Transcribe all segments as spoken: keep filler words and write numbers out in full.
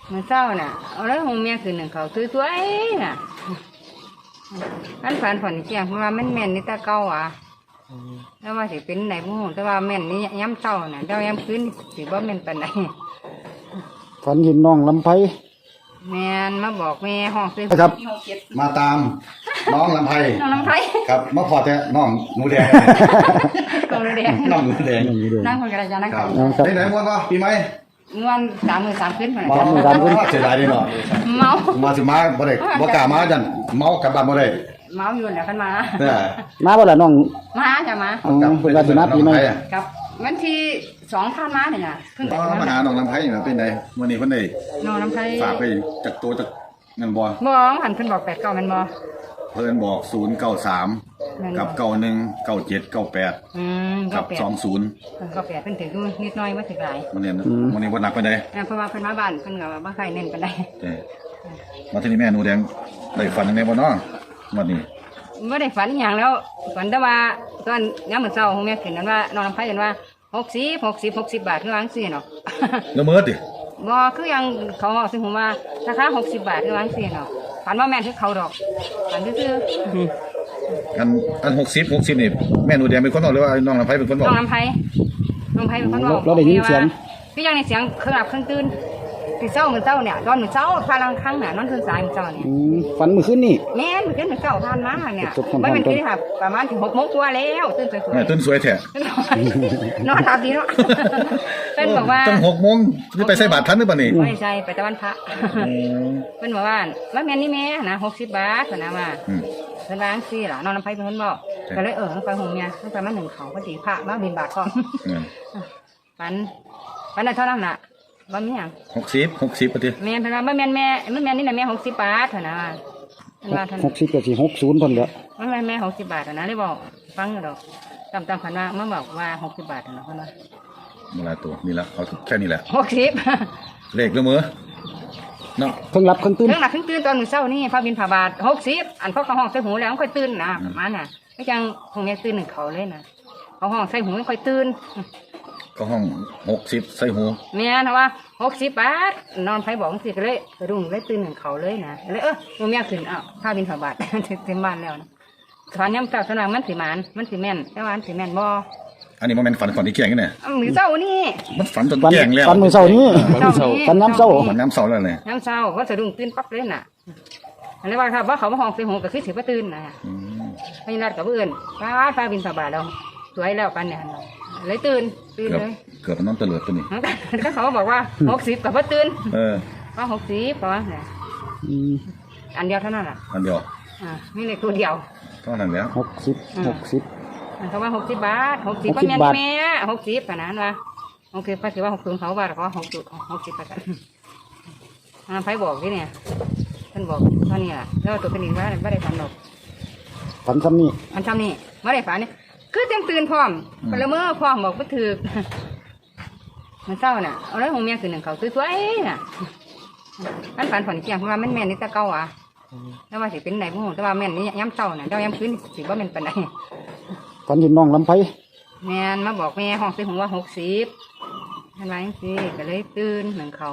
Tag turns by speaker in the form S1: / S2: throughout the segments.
S1: มันเศร้าน่ะเอาแล้วหงเมียคืนหนึ่งเขาสวยๆน่ะอันฝันฝันเจียงเพราะว่ามันแม่นนี่ตาเก่าอ่ะแล้วว่าสิเป็นไหนบุ้งแต่ว่าแม่นนี่ย้ำเศร้าน่ะเจ้าย้ำคืนสิว่าแม่นปานไหน
S2: ฝันเห็นน้องลำไพ
S1: แม่นมาบอกแม่ห้องซื้อ
S2: ครับ
S3: มาตามน้องลำไพ
S1: น้องน้ำไผ่
S3: ครับมาพอแต่น้องหนูแดง
S1: ตรงเรียน
S3: น้องหนูแดง
S1: นั่งคนกระจายนั่ง
S3: ครับ
S1: กัน
S3: ไหนไหนม้วนก็ปีใหม่
S1: งวนสามหมื่นสามขึ้นมา
S2: สามหมื่นสามขึ้น
S3: เสียดายเลยเนาะ
S1: เมา
S3: มาสิมาบ่ได้บ่กล้ามาจันเมากลับบ้านบ่ได้
S1: เมาอยู่แล้วกันมา
S3: เนี่ย
S2: มาบ่ล่ะน้อง
S1: มาจะมา
S2: อ๋อเพิ่นว่าสิมาปีใหม่
S1: กับวันที่สองท่านมาเนี่ยเพิ่ง
S3: อ๋
S1: แต่
S3: อมาหาน้องลำไพนี่เป็นไดมื้อนี้เพิ่นได้
S1: น้องน้ำไผ่
S3: ฝากไปจากตัวจากเงินบ่
S1: มองหันเพิ่นบอกแปดเก้ามันบ่
S3: เพิ่นบอกศูนย์เก้าสามกับเก้าหนึ่งเก้าเจ็ดเก้าแปด
S1: อืม
S3: กับ
S1: แปด
S3: สองศูนย์
S1: เพิ่นก็แปดเพิ่นถือดูนิดหน่อยมาถึงหลาย
S3: มื้อนี้มื้อนี้บ่หนักปานใด
S1: เพราะว่าเพิ่นมาบ้านเพิ่นก็บ่ใครเน้นปานใด
S3: เอ้มาที่นี่แม่หนูแดงได้ฝันจังไดบ่เนาะมื้อนี้
S1: บ่ได้ฝันอหย่างแล้วฝันแต่ว่าตอนยามมื้อเช้าของแม่ขึ้นนั้นว่าน้องน้ำไผ่เห็นว่าหกสิบ หกสิบ หกสิบบาทคือว่าจังซี่เนาะ
S3: ละเมิดดิ
S1: บ่คือยังเขาบอกซึ่งผมว่าราคาหกสิบบาทคือว่าจังซี่เนาะฝันว่าแม่นคือเขาดอกฝันซื่อ
S3: อันอันหกสิบ หกสิบนี่แม่หนูแดงเป็นคนบอกหรือว่าน้องลำไพเป็นคน
S1: ๆ
S3: บอ
S1: น้
S3: ก
S1: องน้ำไผ่น้องไผ่เป็นคนบอก
S2: เราได้ยินเสียง
S1: คือยังในเสียงเครื่องหลับเครื่องตื่นตื่นเช้ามื้อเช้าเนี่ยตอนมื้อเช้าพาลังครั้งน่ะนอนตื่นสายมื้อเช้าเนี่ย
S2: อืมฝันเมื่อคืนนี่
S1: แม่นมื้อคืนมื้อเช้าผ่านมาเนี่ย
S2: จบพร้อมๆ
S1: ไม่เป็นที่ค่ะประมาณถึงหกโมงกว่าแล้วตื่นสวย
S3: แม่ตื่นสวยแท้
S1: ๆนอนหลับดีเนาะเป็นบอกว่า
S3: ตั้งหกโมงนี่ไปใส่บาตรทันหรือเปล่านี่
S1: ไม่ใช่ไปตะวันพระเป็นบอกว่าว่าแม่นนี่แม่นะหกสิบบาทเพิ่นนะว่า
S3: อืม
S1: เพิ่นล้างซี่ล่ะน้องน้ำไผ่เป็นคนบอก
S3: ใช่
S1: ก็เลยเออไปหงเนี่ยตั้งแต่มาหนึ่งเขาพอดีพระมาบินบาทก่อน
S3: เงิน
S1: ปันปันได้เท่านั้นน่ะบ่มีหยัง
S3: หกสิบ หกสิบปะที
S1: แม่นเพิ่นว่าบ่แม่นแม่บ่แม่นนี่น่ะแม่หกสิบบาทเท่านั้นว่าเพิ่นว่าเท่า
S2: ห
S1: นั้น
S2: กสิบกับสี่หกศูนย์คนเดียว
S1: บ่แม่นแม่หกสิบบาทเท่านั้นเลยบอกฟังอยู่ดอกตามตามเพิ่นว่ามาบอกว่าหกสิบบาทเท่านั้นเพิ่นว่า
S3: เวลาตัวนี่ละเอาแค่นี้แหละ
S1: หกสิบ
S3: เลขละเมอเนาะ
S2: เพิ่งรับเพิ่งตื่น
S1: เรื่องหนักเพิ่งตื่นตอนมื้อเช้านี่พระบินพระบาทหกสิบอันเขาเขาห้องใส่หูแล้วมันค่อยตื่นนะประมาณน่ะไม่จังคงแม่ตื่นหนึ่งเขาเลยนะเขาห้องใส่หูไม่ค่อยตื่น
S3: ก็ห้องหกสิบใส่หู
S1: แม่นะว่าหกสิบบาทนอนไผบอกสิก็เลยกระดุมเลยตื่นหนึ่งเขาเลยนะเลยเออมึงแม่ขึ้นอ้าวพระบินพระบาท เต็มบ้านแล้วนะตอนนี้มันเจ้าสนางมันสิหมานมันสิแม่นแต่ว่ามันสิแม่นบ่
S3: อันนี้มันเป็นฝันก่อนที่แก่งนี่เนี่ย
S1: มื้อเช้านี่
S3: มันฝันจน
S2: ฝัน
S3: แก่งแล้ว
S2: ฝันมื้อเช้านี้
S1: เช้า
S2: ฝันน้ำเช้า
S3: ฝันน้ำเสาแล้วเลย
S1: น้ำเช้าว่าสะดุ้งตื่นปั๊บเลยน่ะอันนี้ว่าครับว่าเขามาห้องใส่หูก็คือสิบ่ตื่นนะ
S3: อืม
S1: พญานาคกับเพื่อนฟ้าฟ้าบินสบายแล้วสวยแล้วกันเนี่ยเลยตื่นตื่น
S3: เกือบ
S1: เลย
S3: เกือบมันน้องเตลิดตัวนี้
S1: ก็เขาบอกว่าหกสิบกับพ่ตื่น
S3: เออ
S1: ว่าหกสิบเพราะว่าเนี่ย
S2: อืม
S1: อันเดียวเท่านั้นแหละ
S3: อันเดียว
S1: อ่ามีเลขตัวเดียว
S3: เท่านั้นแล้ว
S2: หกสิบหกสิบ
S1: เขาว่าหกสิบบาทหกสิบ
S2: หก
S1: ก็
S2: สิบ
S1: แม่น
S2: บาท
S1: แม่หกสิบขนาดนั้นว่าโอเคป้าถือว่าหกสิบเขาว่าเขาหกสิบหกสิบไปกันไพ่บอกที่เนี่ยท่านบอกเท่านี้แหละแล้วตัวเป็นอีกว่าไม่ได้ฝันหรอก
S2: ฝันซ้ำนี่
S1: อันทำนี่ไม่ได้ฝันเนี่ยคือเต็มตื่นพร้อมพลเมือพร้อมบอกว่าถือมันเศร้าน่ะเอาแล้วหงเมียคืนหนึ่งเขาสวยๆน่ะอันฝันฝันเกี่ยงเพราะว่ามันแม่นนี่ตะเก้าอ่ะแล้วว่าสิเป็นไหนพวกแต่ว่าแม่นนี่ย้ำเศร้าน่ะเจ้าย้ำคืนสิว่าแม่นปานใด
S2: ฝันเห็นน้องลำไพ
S1: แม่นมาบอกแม่ห้องซื้อหงว่าหกสิบท่านว่าจังซี่ก็เลยตื่นหนึ่งเขา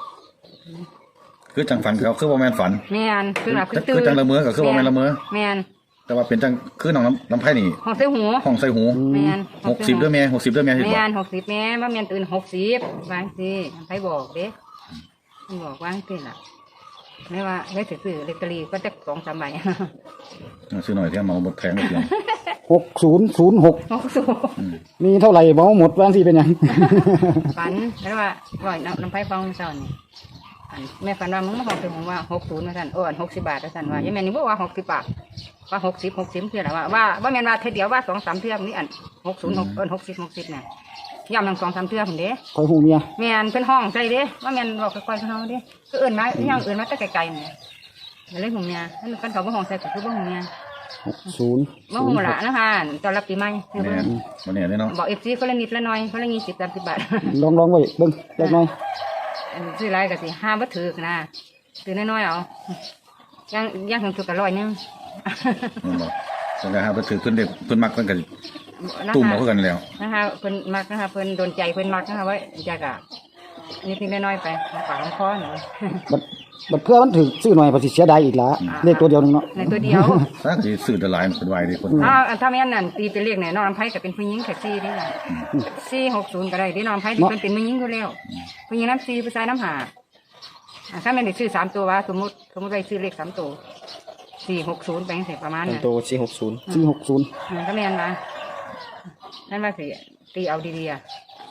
S3: คือจังฝันเขาคือว่าแม่นฝัน
S1: แม่นคือหลับคือตื่
S3: คื
S1: น
S3: อจังละเมอก็คือว่าแม่นละเมอ
S1: แม่น
S3: แต่ว่าเป็นจังคือน้องน้ำน้ำไผ่นี่
S1: ห้องซื้อหู
S3: ห้องใส่หู
S1: แม่น
S3: หกสิบด้วยแม่หกสิบด้วยแม่เห็น
S1: แม่
S3: บ่
S1: นหกสิบแม่ว่าแม่นตื่นหกสิบว่าจังซี่ไปบอกเด้มันบอกว่าจังซี่ล่ะไม่ว่าไม่ถือซื้อเลตเตอรี่ก็จะสองสามใบ
S3: ซื้อหน่อยที่เมาหมดแพงหมดเลย
S2: หกศูนย์ศูนย์หก
S1: หกสูบ
S2: มีเท่าไหร่เมาหมดบางทีเป็นหยัง
S1: ฝันแล้วว่าร่อยน้ำน้ำไผ่ฟองเศร้านี่อันแม่ฝันว่ามึงมาห้องซื้อหงว่าหกศูนย์นะท่านโอ้อันหกสิบบาทนะท่านว่ายังแม่นี่บอกว่าหกสิบบาทว่าหกสิบหกสิบเท่าไหร่ว่าว่าว่าแม่นว่าเท่าเดียวว่าสองสามเท่านี่อันหกศูนย์หกเอินหกสิบหกสิบเนี่ยย่ำทั้งสองสามเท่าผมเด้
S2: คอยหูเมีย
S1: แม่นเป็นห้องใจเด้ว่าแม่นบอกค่อยๆเขาเด้ก็เอินมาย่างเอินมาแต่ไกลๆเนี่ยเรื่องของเมียนั่นกันเขาบ่ห้องใจก็คือบ่ห้องเมีย
S2: หกศูนย์
S1: บ่ห้องละนะคะตอนรับปีใหม่
S3: แม่นวันนี้เลยเนาะ
S1: บอกเอฟซีคนละนิดละหน่อยคนละยี่สิบสามสิบบาท
S2: ลองลองไว้เบิ้งเล็กน้อย
S1: อันซื้อไรก็สิห้าบัตถือนะซื้อน้อยๆเอาย่างย่างถึงสุดก็ร้อยหนึง
S3: แม่นบ่จังได๋ครับเพิ่นถือเพิ่นเด็กเพิ่นมักเพิ่นก็ตุ่มเอาคือกันแล้ว
S1: นะคะเพิ่นมักนะคะเพิ่นโดนใจเพิ่นมักนะคะไว้จากอะนิดนิดน้อยๆไปปากของคอหน่อย
S2: บัดบัดเพื่อมันถือซื้อหน่อยภาษีเสียดายอีกละเลขตัวเดียวหนึงเนาะ
S1: ในตัวเดียว
S3: ถ้าสิซื้อแต่หลายมันเป็นวายดีคน
S1: อ้าวถ้าแม่นนั่นตีเป็นเลขไหนน้องลำไผ่ก็เป็นผู้หญิงแท็กซี่ได้ล่ะสี่หกศูนย์ก็ได้ที่น้องลำไผ่ที่เป็นเป็นผู้หญิงอยู่แล้วผู้หญิงน้ำสี่ผู้ชายน้ำหาอ่าถ้าแม่นได้ซื้อสามตัวว่าสมมติสมมติไปซื้อเลขสามตัวสี่หกศูนย์ไปเสร็จประมาณ
S4: เป็น
S1: นั้น
S4: ตัวสี่หกศูนย์
S2: สี่หกศูนย์
S1: อ่าถ้าแม่นมานั่นว่าสิตีเอาดีๆอ่ะ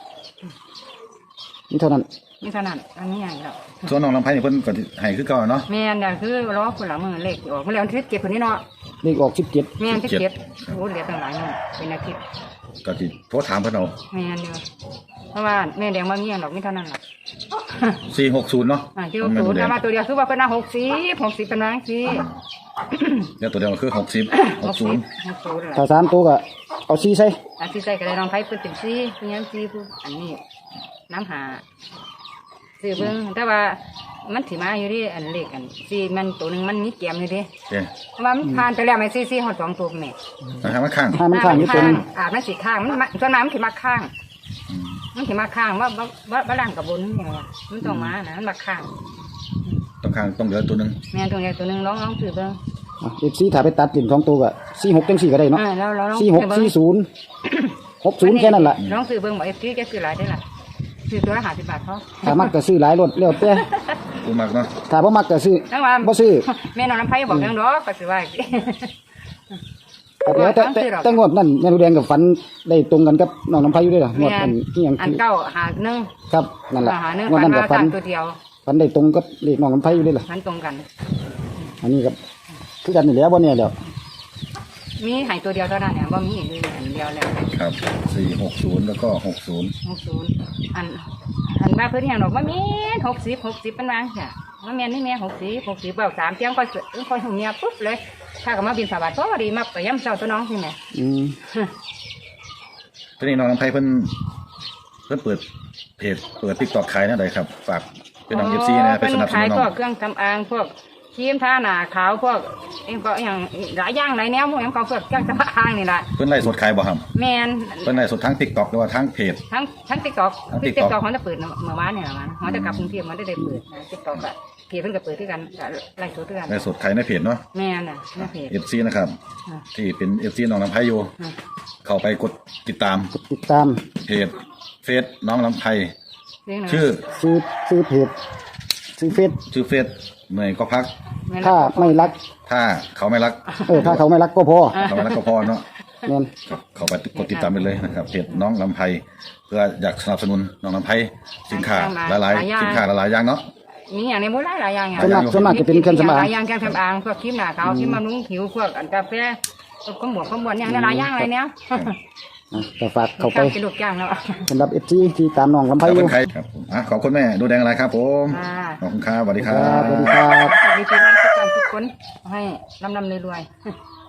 S2: นี่เท่านั้น
S1: นี่เท่านั้นอันนี้ใหญ่แล้ว
S3: ส่วนน้องลำไผ่นี่เพิ่นก็สิให้คือเก่าเนาะ
S1: แม่นน่ะคือล้อคนหลังมือเลขออกมาแล้วทิศเก็บคนนี้เนาะ
S2: เลขออกสิบเจ็ด
S1: แม่นทิศเก็บโอ้เหลือตั้งหลายเงินเป็นอาทิตย์
S3: ก็สิโทรถามเพิ่นเอา
S1: แม่นเดียวเพราะว่าแม่แดงมาเงี้ยหรอกนี่เท่านั้นหรอก
S3: สี่หกศูนย์เนาะ
S1: อ่าที่หกศูนย์ถ้ามาตัวเดียวคือว่าเป็นหน้าหกสิบหกสิบเป็นนางสิ
S3: เดี๋ยวตัวเดียวก็คือหกสิบหกศูนย์
S1: หกศูนย์เลย
S2: ถ้าสามตัวก็เอาสี่ใส่
S1: อาที่ใส่ก็ได้ลองไพ่เป็นเป็นซีเป็นยังซีผู้อันนี้น้ำหาซื้อเบิ้งแต่ว่ามันถือมาอยู่ดิอันเล็กอันซีมันตัวหนึ่งมันมีเกียมอยู่ดิ
S3: เด้
S1: เพราะว่ามันผ่านไปแล้วไม่ซีซีหอดสองตัวแม่
S3: นะครับมาข้าง
S2: ถ้ามันข้างอยู่ตัวหนึง
S1: อาบมันสีข้างมันส่วนมากมันถือมาข้าง มันถือมาข้างว่าว่าว่าว่าล่างกับบนนี่ไงวะมันต้องมานะมันมาข้าง
S3: ต้องข้างต้องเหลือตัวหนึง
S1: แม่ตัวใหญ่ตัวหนึ่งร้องร้องซื้อเบิ้ง
S2: เอฟซีถ้าไปตัดติ่นสองตัวก็สี่หกจังสี่ก็ได้เนาะ
S1: อ่าแล้วเราลอง
S2: สี่หก
S1: ซื้อเบิ่ง
S2: สี่ศูนย์หกศูนย์แค่นั้นแหละ
S1: ลองซื้อเบิ้งบอกเอฟซีแกซื้อหลายได้ล่ะซื้อตัวละห้าสิบบาทเขา
S2: ถ้ามักก็ซื้อหลายรถแล้วแต่
S3: ตัวมากเนาะ
S2: ถ้าบ่มักก็ซื้อ
S1: ทั้งว่า
S2: บ่ซื้อ
S1: แม่น้องน้ำไผ่บอกยังดอกก็สิว่าอีก
S2: แต่แล้วแต่แต่แต่งวดนั่นแม่นูแดงกับฝันได้ตรงกันกับน้องน้ำพายุด้วยเหรองวดอันที่ยัง
S1: อันเก้าหาหนึ่ง
S2: ครับนั่นแหละ
S1: หาหนึ่ง
S2: งวด
S1: ฟัน
S2: นั้น
S1: มา
S2: กับฝัน
S1: สามตัวเดียว
S2: ฝันได้ตรงกับเลขน้องน้ำพายุด้วยเหรอ
S1: ฟันตรงกัน
S2: อันนี้ครับคือกันนี่แหล้วบ่เนี่ยเดี๋ยว
S1: มีใหายตัวเดียวเท่านั้นเนี่ยบ่มีอีกเลยอันเดียวแล้ว
S3: ครับสี่หกศูนย์แล้วก็หกศูนย์
S1: หกศูนย์อันอันว่าเพื่อนอย่างดอกว่ามีหกสิบหกสิบเป็นวางจ้ะว่าแม่นี่แม่หกสิบหกสิบเบาสามเที่ยงค่อยเสือค่อยหุ่นเมียปุ๊บเลย ถ้าก็มาบินสาบาทพอดีมาไปย่ำเจ้าตัวน้องใช่ไหม
S2: อืม
S3: ทีนี้น้องลำไผ่เพิ่นเพิ่นเปิดเพจเปิดติ๊กต็อกขายนะใดครับฝากเป็นน้องเอฟซีนะไป
S1: เป็น
S3: สนับสนุ
S1: ขาย
S3: นน้
S1: พ
S3: อ
S1: ว
S3: ง
S1: กเครื่องทำอางพวกครีมทาหน้าขาวพวกเองก็อย่างหลายอย่างหลายแนวพวกอย่างเขาพวกเครื่องทำอางนี่แหละ
S3: เพิ่นไล่สดขายบ่ครับ
S1: แมน
S3: เพิ่นไล่สดทั้งติ๊กต็อกหรือว่าทั้งเพจ
S1: ทั้งทั้งติ๊กต็อก
S3: ทั้ง
S1: ติ๊ก
S3: TikTok
S1: ต็อกเขาจะเปิดเมื่อวานเนี่ยมันเขาจะกลับกรุงเทพมันได้ได้เปิดติ๊กต็อกอะเพจเพิ่งจะเปิดด้วยกันไล่สดด้วยกัน
S3: ไล่สดขายในเพจเนาะ
S1: แมนอ่ะในเพจ
S3: เอฟซีนะครับ
S1: อ่ะ
S3: ที่เป็นเอฟซีน้องลำไผ่อยู่
S1: อ่ะ
S3: เข้าไปกดติดตาม
S2: ติดตาม
S3: เพจเฟซน้องลำไผ่
S1: เรื่องไหน
S3: ชื่อ
S2: ซื้อซื้อเพจซื้อเฟซ
S3: ชื่อเฟซเหนื่อยก็พัก
S1: แม่น
S2: ถ้าไม่รัก
S3: ถ้าเขาไม่รัก
S2: เออถ้าเขาไม่รักก็พอ
S3: เขาไม่รักก็พอเนาะ
S2: แม่น
S3: ครับเข้าไปกดติดตามไปเลยนะครับเพจน้องลำไผ่เพื่ออยากสนับสนุนน้องลำไผ่สินค้าหลายๆสินค้าหลายๆอย่างเนาะ
S1: มีอย่างในโบราณหลายอย่างอย่าง
S2: ส่วนมากส่วนมากจะเป็นเครื่องสำอาง
S1: หลายอย่างเครื่องสำอางพวกครีมหน้าขาวครีมบำรุงผิวพวกอันกาแฟพวกขมวดขมวดอย่างนั้นหลายอย่างอะไรเนี้ย
S2: อ่ะแต่ฝากเข้าไป
S1: กระดูกย่างแล้ว
S2: สำหรับเอฟซีที่ตามน้องลำ
S3: ค
S2: ไพ
S3: รับ
S2: อ
S3: เป็
S2: ยู่
S3: นใครครับผมอ่ะขอบคุณแม่ดูแดงอะไรครับผม
S1: อ่า
S3: ขอบคุณครับสวัสดีครั
S2: ครับ
S3: บ
S2: สวัสดีครับ
S1: สวัสดีทุกท่านทุกคนให้ร่ำๆรวยๆ